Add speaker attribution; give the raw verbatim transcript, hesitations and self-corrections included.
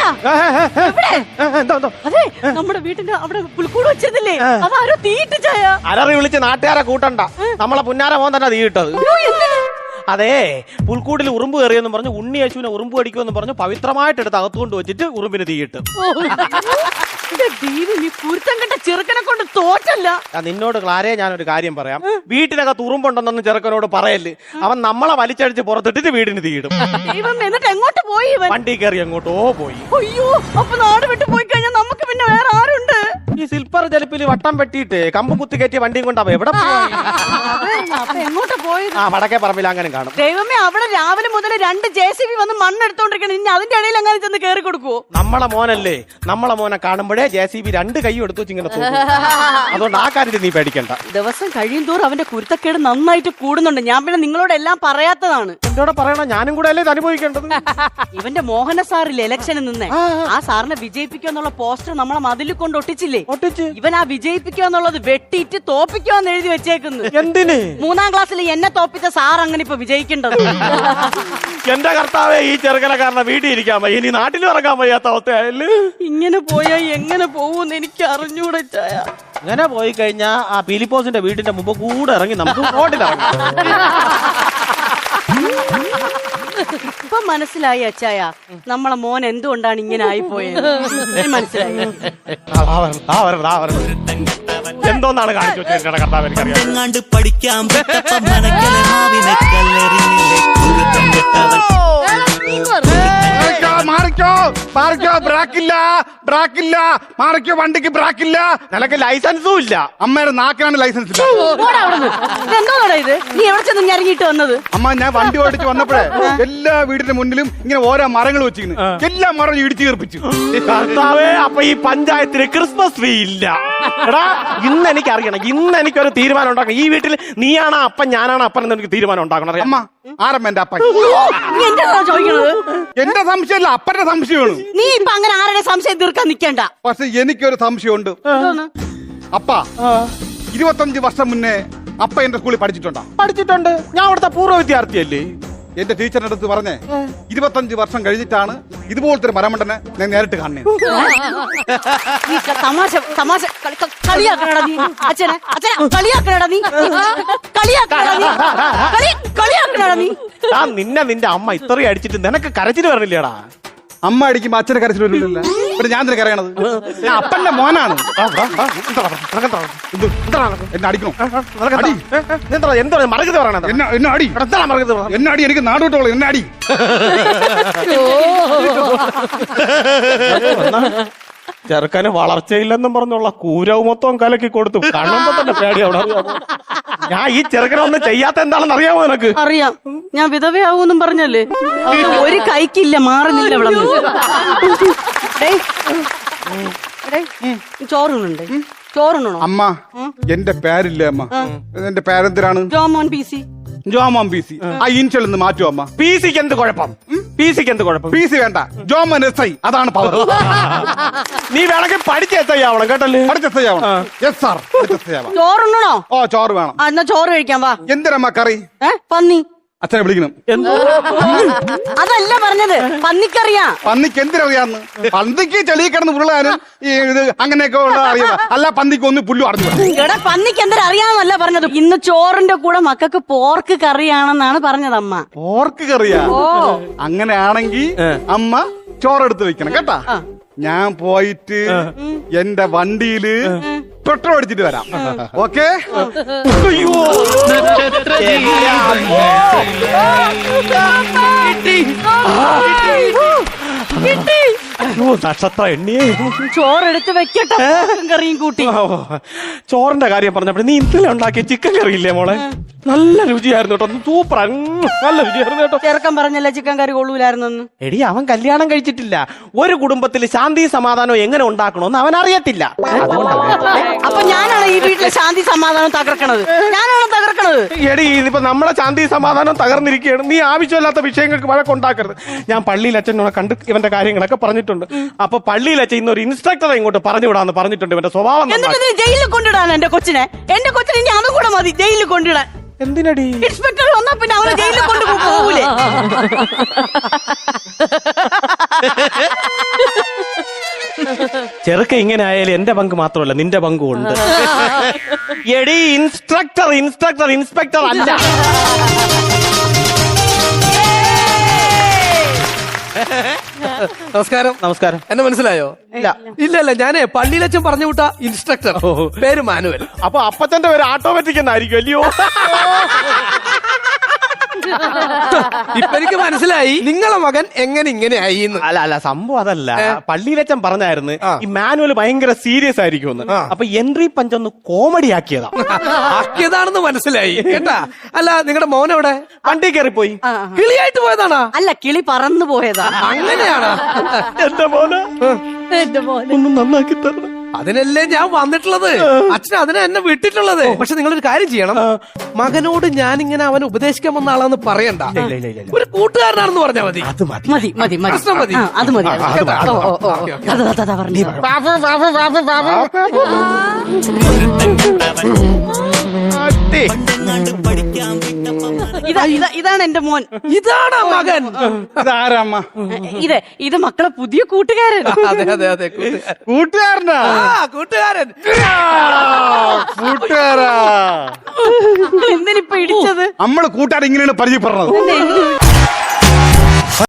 Speaker 1: അതെ നമ്മുടെ വീട്ടിന്റെ അവിടെ പുൽക്കൂട് വെച്ചതില്ലേ അതാരോ തീയിട്ട് ചായ.
Speaker 2: അലറി വിളിച്ച് നാട്ടുകാരെ കൂട്ടണ്ട, നമ്മളെ പുന്നാര മോൻ തന്നെ തീയിട്ടത്. അതെ, പുൽക്കൂടിൽ ഉറുമ്പ് കയറിയെന്ന് പറഞ്ഞു ഉണ്ണി യേശുവിനെ ഉറുമ്പ് കടിക്കുമെന്ന് പറഞ്ഞു പവിത്രമായിട്ട് എടുത്ത് അകത്തുകൊണ്ട് വെച്ചിട്ട് ഉറുമ്പിന് തീയിട്ട്.
Speaker 1: നീ കുരുത്തം കെട്ട ചെറുക്കനെ കൊണ്ട് തോറ്റല്ല.
Speaker 2: നിന്നോട് ക്ലാരേ ഞാനൊരു കാര്യം പറയാം, വീട്ടിനകത്ത് ഉറുമ്പുണ്ടെന്നൊന്നും ചെറുക്കനോട് പറയല്. അവൻ നമ്മളെ വലിച്ചടിച്ച് പുറത്തിട്ടിട്ട് വീടിന് തീയിടും.
Speaker 1: എന്നിട്ട് എങ്ങോട്ട് പോയി?
Speaker 2: വണ്ടി കയറി എങ്ങോട്ടോ പോയി.
Speaker 1: അയ്യോ, അപ്പൊ നാട് വിട്ടു പോയി കഴിഞ്ഞാൽ നമുക്ക് പിന്നെ വേറെ ആരുണ്ട്?
Speaker 2: ഈ സിൽപ്പർ ജലിപ്പിൽ വട്ടം വെട്ടിയിട്ട് കമ്പ് കുത്തി കയറ്റിയ വണ്ടിയും കൊണ്ടാ എവിടെ പോയി?
Speaker 1: എങ്ങോട്ട് പോയി?
Speaker 2: ആ വടക്കേ പറമ്പിൽ അങ്ങനെ കാണും.
Speaker 1: ദൈവമേ, അവിടെ രാവിലെ മുതൽ രണ്ട് ജെ സി ബി വന്ന് മണ്ണെടുത്തോണ്ടിരിക്കണം. ഇനി അതിന്റെ ഇടയിൽ അങ്ങനെ ചെന്ന് കയറി കൊടുക്കുവോ?
Speaker 2: നമ്മളെ മോനല്ലേ, നമ്മളെ മോനെ കാണുമ്പോഴേ ജെ സി ബി രണ്ട് കൈ എടുത്തു വെച്ചിങ്ങനെ തോന്നും. അതുകൊണ്ട് ആ കാര്യത്തിൽ നീ പേടിക്കണ്ട.
Speaker 1: ദിവസം കഴിയും തോറും അവന്റെ കുരുത്തക്കേട് നന്നായിട്ട് കൂടുന്നുണ്ട്. ഞാൻ പിന്നെ നിങ്ങളോട് എല്ലാം പറയാത്തതാണ്.
Speaker 2: എന്നോട് പറയണം, ഞാനും കൂടെ അല്ലേ ഇത് അനുഭവിക്കേണ്ടത്.
Speaker 1: ഇവന്റെ മോഹന സാറില്ലേ ഇലക്ഷനിൽ നിന്ന്, ആ സാറിനെ വിജയിപ്പിക്കുക എന്നുള്ള പോസ്റ്റർ നമ്മളെ മതിലിൽ കൊണ്ട് ഒട്ടിച്ചില്ലേ?
Speaker 2: ഒട്ടിച്ച്
Speaker 1: ഇവൻ ആ വിജയിപ്പിക്കുക എന്നുള്ളത് വെട്ടിയിട്ട് തോപ്പിക്കുവാന്ന് എഴുതി വെച്ചേക്കുന്നു.
Speaker 2: എന്തിന്?
Speaker 1: മൂന്നാം ക്ലാസ്സിൽ എന്നെ തോപ്പിച്ച സാർ അങ്ങനെ ഇപ്പൊ വിജയിക്കേണ്ടത്.
Speaker 2: എന്റെ കർത്താവേ, ഈ ചെറുക്കനെ കാരണം വീട്ടിൽ ഇരിക്കാൻ വയ്യ, ഇനി നാട്ടിലും ഇറങ്ങാൻ വയ്യാത്ത അവസ്ഥയായല്ലേ.
Speaker 1: ഇങ്ങനെ പോയാ എങ്ങനെ പോവൂന്ന് എനിക്ക് അറിഞ്ഞൂടെ ചായ.
Speaker 2: ഇങ്ങനെ പോയി കഴിഞ്ഞാ ആ പീലിപ്പോസിന്റെ വീടിന്റെ മുമ്പ് കൂടെ ഇറങ്ങി നമുക്ക് റോഡിലിറങ്ങാം.
Speaker 1: ഇപ്പൊ മനസ്സിലായി അച്ചായ, നമ്മളെ മോൻ എന്തുകൊണ്ടാണ് ഇങ്ങനെ ആയിപ്പോയത് മനസ്സിലായി.
Speaker 2: എന്തോന്നാണ് കാണിച്ചു വെച്ചിട്ട് കർത്താവ് എനിക്കറിയാം.
Speaker 3: എങ്ങാണ്ട് പഠിക്കാം
Speaker 4: മാറിക്കോ മാറിക്കോ, ബ്രാക്കില്ല ബ്രാക്കില്ല, മാറിക്കോ, വണ്ടിക്ക് ബ്രാക്കില്ല.
Speaker 2: നിനക്ക് ലൈസൻസും ഇല്ല.
Speaker 4: അമ്മയുടെ നാക്കിനാണ് ലൈസൻസ് ഇല്ല.
Speaker 1: എന്തോന്നാടാ ഇത്? നീ എവിടെ ചെന്ന് ഇറങ്ങിയിട്ട് വന്നത്?
Speaker 4: അമ്മ, ഞാൻ വണ്ടി ഓടിച്ച് വന്നപ്പോഴേ എല്ലാ വീടിന്റെ മുന്നിലും ഇങ്ങനെ ഓരോ മരങ്ങൾ വെച്ചിരുന്നു, എല്ലാ മരം ഇടിച്ചു തീർപ്പിച്ചു.
Speaker 2: കർത്താവേ, അപ്പൊ ഈ പഞ്ചായത്തിന് ക്രിസ്മസ് ട്രീ ഇല്ല. എടാ, ഇന്ന് എനിക്ക് അറിയണം, ഇന്ന് എനിക്കൊരു തീരുമാനം ഉണ്ടാക്കണം. ഈ വീട്ടിൽ നീയാണോ അപ്പൻ ഞാനാണോ അപ്പൻ എന്ന് എനിക്ക് തീരുമാനം ഉണ്ടാക്കണം.
Speaker 4: അമ്മ, ആരമ്മ എന്റെ അപ്പൻ?
Speaker 1: ചോദിക്കണത്
Speaker 4: എന്റെ സംശയമല്ല, അപ്പന്റെ സംശയമാണ്.
Speaker 1: നീ ഇപ്പൊ അങ്ങനെ ആരുടെ സംശയം തീർക്കാൻ നിൽക്കണ്ട.
Speaker 4: പക്ഷെ എനിക്കൊരു സംശയമുണ്ട്. അപ്പ ഇരുപത്തഞ്ച് വർഷം മുന്നേ അപ്പ എന്റെ സ്കൂളിൽ പഠിച്ചിട്ടുണ്ടോ?
Speaker 2: പഠിച്ചിട്ടുണ്ട്. ഞാൻ അവിടുത്തെ പൂർവ്വ വിദ്യാർത്ഥിയല്ലേ.
Speaker 4: എന്റെ ടീച്ചറിന്റെ അടുത്ത് പറഞ്ഞേ, ഇരുപത്തഞ്ച് വർഷം കഴിഞ്ഞിട്ടാണ് ഇതുപോലത്തെ ഒരു മരമണ്ടനെ ഞാൻ നേരിട്ട് കാണുന്നത്.
Speaker 1: തമാശ തമാശ കളിയാക്കണടാ നീ അച്ഛനെ, അച്ഛനെ കളിയാക്കണടാ നീ, കളിയാക്കണടാ നീ, കളിയാക്കണടാ നീ.
Speaker 2: നിന്നെ നിന്റെ അമ്മ ഇത്രയും അടിച്ചിട്ട് നിനക്ക് കരച്ചിട്ട് വരണില്ലേടാ?
Speaker 4: അമ്മ അടിക്കുമ്പോ അച്ഛനെ കരച്ചിൽ വരില്ലല്ലോ. ഇവിടെ ഞാൻ തന്നെ കരയണത്. ഞാൻ അപ്പന്റെ മോനാണ്. എന്നെ അടിക്കണോ?
Speaker 2: എന്താ മറുകത പറയണത്?
Speaker 4: എന്നെ എന്നെ അടി, എന്നെ അടി, എനിക്ക് നാടോട്ടോളൂ, എന്നെ അടി.
Speaker 2: ചെറുക്കന് വളർച്ചയില്ലെന്നും പറഞ്ഞുള്ള കൂരവ് മൊത്തം കലക്കി കൊടുത്തു. കാണുമ്പോ തന്നെ പേടി. അവിടെ ഞാൻ ഈ ചെറുക്കനൊന്നും ചെയ്യാത്ത എന്താണെന്ന് അറിയാമോ നിനക്ക്?
Speaker 1: അറിയാം. ഞാൻ വിധവയാവൂന്നും പറഞ്ഞല്ലേ, ഒരു കൈക്കില്ല, മാറുന്നില്ല. ഇവിടെ ചോറുണ്ട്, ചോറുണ്ടോ?
Speaker 4: അമ്മ, എന്റെ പേരില്ലേ അമ്മ? എന്റെ പേരെന്തിനാണ്?
Speaker 1: Jomon P C.
Speaker 4: Jomon P C. ആ ഇൻഷൽ ഒന്ന് മാറ്റുമോ അമ്മ?
Speaker 2: പി സിക്ക് എന്ത് കുഴപ്പം? പി സിക്ക് എന്ത് കുഴപ്പം?
Speaker 4: പി സി വേണ്ട, ജോമോൻ എസ് ഐ, അതാണ് പവർ.
Speaker 2: നീ വേണമെങ്കിൽ പഠിച്ച എസ് ഐ ആവണം കേട്ടല്ലേ?
Speaker 4: പഠിച്ച എസ് ഐ ആവണം. യെസ് സാർ,
Speaker 1: ചോറുണ്ടോ?
Speaker 4: ഓ, ചോറ് വേണം.
Speaker 1: എന്നാ ചോറ് കഴിക്കാൻ വാ.
Speaker 4: എന്തിനമ്മ കറി?
Speaker 1: പന്നി.
Speaker 4: അച്ഛനെ വിളിക്കണം.
Speaker 1: അതല്ല പറഞ്ഞത്, പന്നിക്കറിയാ.
Speaker 4: പന്നിക്ക് എന്തിനറിയാന്ന്? പന്നിക്ക് ചെളി കിടന്ന് ഉരുളാനും ഈ ഇത് അങ്ങനെയൊക്കെ ഉള്ള അറിയാം. അല്ല, പന്നിക്ക് ഒന്ന് പുല്ലു അറിഞ്ഞു.
Speaker 1: എടാ, പന്നിക്ക് എന്തിനറിയാന്നല്ല പറഞ്ഞത്. ഇന്ന് ചോറിന്റെ കൂടെ മക്കൾക്ക് പോർക്ക് കറിയാണെന്നാണ് പറഞ്ഞത് അമ്മ.
Speaker 4: പോർക്ക് കറിയാ? അങ്ങനെയാണെങ്കിൽ അമ്മ ചോറെടുത്ത് വെക്കണം കേട്ടാ. ഞാൻ പോയിട്ട് എന്റെ വണ്ടിയില് പെട്രോൾ അടിച്ചിട്ട് വരാം. ഓക്കെ?
Speaker 2: നക്ഷത്ര എണ്ണിയേ.
Speaker 1: ചോറെടുത്ത് വെക്കട്ടെ, കറിയും കൂട്ടി.
Speaker 2: ചോറിന്റെ കാര്യം പറഞ്ഞപ്പോ നീ ഇന്നലെ ഉണ്ടാക്കിയ ചിക്കൻ കറിയില്ലേ മോളെ? നല്ല രുചിയായിരുന്നു കേട്ടോ, സൂപ്പർ, നല്ല രുചിയായിരുന്നു കേട്ടോ.
Speaker 1: ചെറുക്കൻ പറഞ്ഞല്ലേ ചിക്കൻ കറി കൊള്ളൂലായിരുന്നു.
Speaker 2: എടി, അവൻ കല്യാണം കഴിച്ചിട്ടില്ല. ഒരു കുടുംബത്തിൽ ശാന്തി സമാധാനം എങ്ങനെ ഉണ്ടാക്കണമെന്ന് അവൻ അറിയത്തില്ല.
Speaker 1: അപ്പൊ ഞാനാണ് ഈ വീട്ടിലെ ശാന്തി സമാധാനം തകർക്കണത്, ഞാനാണ് തകർക്കണത്.
Speaker 2: എടി, ഇതിപ്പോ നമ്മളെ ശാന്തി സമാധാനം തകർന്നിരിക്കുകയാണ്. നീ ആവശ്യമില്ലാത്ത വിഷയങ്ങൾക്ക് വഴക്കുണ്ടാക്കരുത്. ഞാൻ പള്ളിയിൽ അച്ഛനോട് കണ്ട് ഇവന്റെ കാര്യങ്ങളൊക്കെ പറഞ്ഞിട്ടുണ്ട്. അപ്പൊ പള്ളിയിൽ അച്ഛൻ ഇന്നൊരു ഇൻസ്ട്രക്ടറെ ഇങ്ങോട്ട് പറഞ്ഞു വിടാന്ന് പറഞ്ഞിട്ടുണ്ട്. ഇവന്റെ സ്വഭാവം
Speaker 1: എന്നിട്ട് ജയിലിൽ കൊണ്ടിടാൻ എന്റെ കൊച്ചിനെ, എന്റെ കൊച്ചിനെ ഇനി അതും കൂടെ മതി ജയിലിൽ കൊണ്ടിടാൻ.
Speaker 2: എന്തിനടി?
Speaker 1: ഇൻസ്പെക്ടർ വന്നാ പിന്നെ അവള് ജയിലിൽ കൊണ്ട് പോകൂലേ?
Speaker 2: ചെറുക്ക ഇങ്ങനെ ആയാലും എന്റെ പങ്ക് മാത്രമല്ല നിന്റെ പങ്കും ഉണ്ട്. എടി ഇൻസ്ട്രക്ടർ ഇൻസ്ട്രക്ടർ ഇൻസ്പെക്ടർ അല്ല.
Speaker 3: നമസ്കാരം.
Speaker 2: നമസ്കാരം.
Speaker 3: എന്നെ മനസ്സിലായോ?
Speaker 2: ഇല്ല.
Speaker 3: ഇല്ല ഇല്ല ഞാനേ പള്ളിയിലച്ചൻ പറഞ്ഞു വിട്ട ഇൻസ്ട്രക്ടർ, പേര് മാനുവൽ.
Speaker 2: അപ്പൊ അപ്പച്ചന്റെ പേര് ഓട്ടോമാറ്റിക് എന്നായിരിക്കും അല്ലയോ?
Speaker 3: ഇപ്പൊ എനിക്ക് മനസ്സിലായി നിങ്ങളെ മകൻ എങ്ങനെ ഇങ്ങനെ ആയി.
Speaker 2: അല്ല അല്ല സംഭവം അതല്ല. പള്ളിയിലച്ചൻ പറഞ്ഞായിരുന്നു ഈ മാനുവൽ ഭയങ്കര സീരിയസ് ആയിരിക്കും. അപ്പൊ എൻട്രി പഞ്ച് ഒന്ന് കോമഡി ആക്കിയതാ.
Speaker 3: ആക്കിയതാണെന്ന് മനസ്സിലായി കേട്ടാ. അല്ല നിങ്ങളുടെ മോൻ എവിടെ?
Speaker 2: വണ്ടി കയറിപ്പോയി.
Speaker 3: കിളിയായിട്ട് പോയതാണോ?
Speaker 1: അല്ല, കിളി പറന്നു പോയതാ.
Speaker 3: അങ്ങനെയാണോ?
Speaker 2: എന്റെ മോന്
Speaker 1: എന്റെ മോനെ
Speaker 2: ഒന്ന് നന്നാക്കി തരണം.
Speaker 3: അതിനല്ലേ ഞാൻ വന്നിട്ടുള്ളത്. അച്ഛൻ അതിനെ എന്നെ വിട്ടിട്ടുള്ളത്. പക്ഷെ നിങ്ങളൊരു കാര്യം ചെയ്യണം. മകനോട് ഞാൻ ഇങ്ങനെ അവൻ ഉപദേശിക്കാൻ വന്ന ആളാന്ന് പറയണ്ട. ഒരു കൂട്ടുകാരനാണെന്ന് പറഞ്ഞാൽ മതി.
Speaker 2: അത് മതി
Speaker 1: മതി മതി മതി
Speaker 3: പ്രശ്നം മതി.
Speaker 1: ആ, അത് മതി. ഓ, ഓ, ഓ. അതാ, അതാ, അതാ പറഞ്ഞു. ഇതാ ഇതാ ഇതാണ് എന്റെ മോൻ.
Speaker 3: ഇതാണ് മകൻ.
Speaker 4: ഇതാരമ്മ?
Speaker 1: ഇത് ഇത് മക്കളെ പുതിയ കൂട്ടുകാരൻ.
Speaker 3: അതെ അതെ അതെ കൂട്ടുകാരൻ.
Speaker 4: കൂട്ടുകാരനാ?
Speaker 3: ആ കൂട്ടുകാരൻ.
Speaker 4: കൂട്ടുകാരാ.
Speaker 1: എന്തിനിപ്പൊ ഇടിച്ചത്?
Speaker 4: നമ്മള് കൂട്ടുകാർ ഇങ്ങനെയാണ് പരിചയപ്പെടുന്നത്.
Speaker 1: എന്നെ